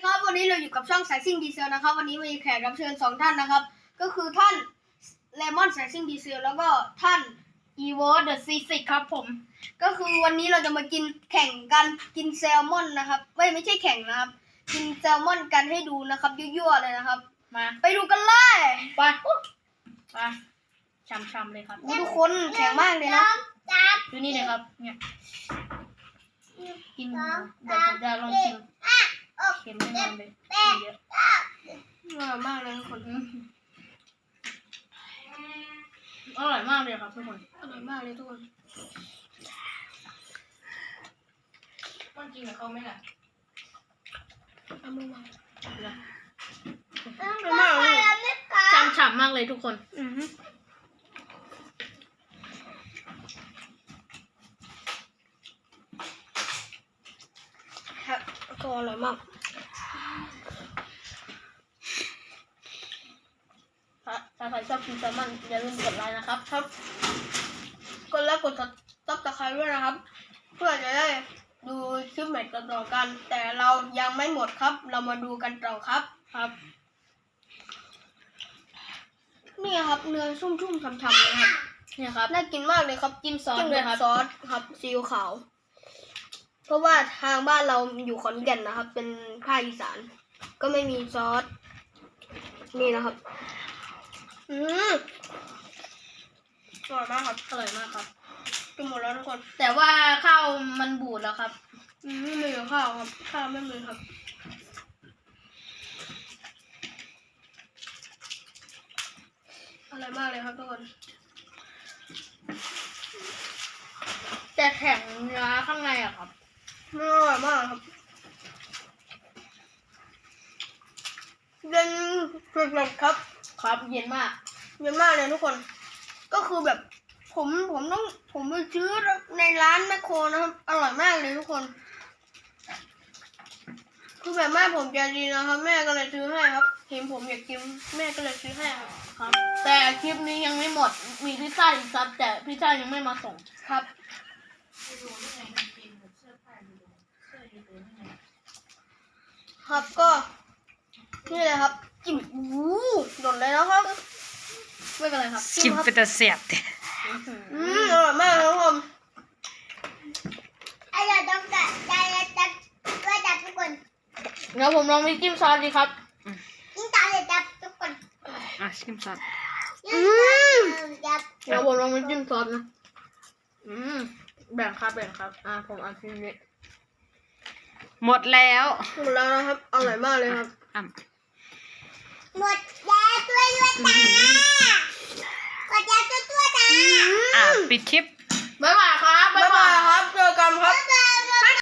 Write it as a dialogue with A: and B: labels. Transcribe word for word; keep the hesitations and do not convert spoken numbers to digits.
A: ครับวันนี้เราอยู่กับช่องสายซิ่งดีเซลนะครับวันนี้มีแขกรับเชิญสองท่านนะครับก็คือท่านเลมอนสายซิ่งดีเซลแล้วก็ท่านอีโวเดอะซีซิกครับผมก็คือวันนี้เราจะมากินแข่งกันกินแซลมอนนะครับไม่ไม่ใช่แข่งนะครับกินแซลมอนกันให้ดูนะครับยั่วๆเลยนะครับมาไปดูกันเลยไปไปช้ำๆเลยครับทุกคนแข็งมากเลยนะดูนี่เลยครับเนี่ยกินเดี๋ยวผมจะลองชิมเค็มแน่นอนเลยเยอะอร่อยมากเลยทุกคนอร่อยมากเลยครับทุกคนอร่อยมากเลยทุกคนต้องกินกับเขาไหมล่ะเอามือวางอร่อยมากเลยฉ่ำๆมากเลยทุกคนอือฮึครับก็อร่อยมากถ้าใครชอบกินแซลมอนอย่าลืมกดไลค์นะครับครับกดไลค์กดซับสไครบ์ด้วยนะครับเพื่อจะได้ดูคลิปใหม่ต่อๆกันแต่เรายังไม่หมดครับเรามาดูกันต่อครับครับนี่ครับเนื้อชุ่มๆฉ่ำๆเลยครับนี่ครับน่ากินมากเลยครับจิ้มซอสด้วยครับซอสครับซีอิ๊วขาวเพราะว่าทางบ้านเราอยู่ขอนแก่นนะครับเป็นภาคอีสานก็ไม่มีซอสนี่นะครับอืมอร่อยมากครับอร่อยมากครับกินหมดแล้วทุกคนแต่ว่าข้าวมันบูดแล้วครับอืมไม่มีข้าวครับข้าวไม่มีครับอร่อยมากเลยครับทุกคนแต่แข็งเนื้อข้างในอะครับอร่อยมากครับเย็นสุดๆครับครับเย็นมากเย็นมากเลยทุกคนก็คือแบบผมผมต้องผมไปซื้อในร้านแมคโครนะครับอร่อยมากเลยทุกคนคือแบบแม่ผมใจดีนะครับแม่ก็เลยซื้อให้ครับเห็นผมอยากกินแม่ก็เลยซื้อให้ครับครับแต่คลิปนี้ยังไม่หมดมีพิซซ่าอีกครับแต่พิซซ่ายังไม่มาส่งครับครับก็นี่เลยครับจิ้มอู้หล่นเลยนะครับไม่เป็นไรครับ
B: กินเป็นตะเสียบ
A: อืมอร่อยมากครับผมอร่อยต้องจัดใจจัดด้วยจัดทุกคนเดี๋ยวผมลองไปจิ้มซอสดีครับจิ้มซอสเลยจัดทุกคน
B: อ่ะชิมซอส
A: อืมเดี๋ยวผมลองไปจิ้มซอสนะอืมแบ่งครับแบ่งครับอ่าผมเอาชิ้นนี้
B: หมดแล้ว
A: หมดแล้วนะครับอร่อยมากเลยครับ
B: อ่ะ
C: หมดแล้วตัวด้วยตาหมดแล้วตัวตัวตา
B: อ่ะปิดคลิป
A: บ๊ายบาย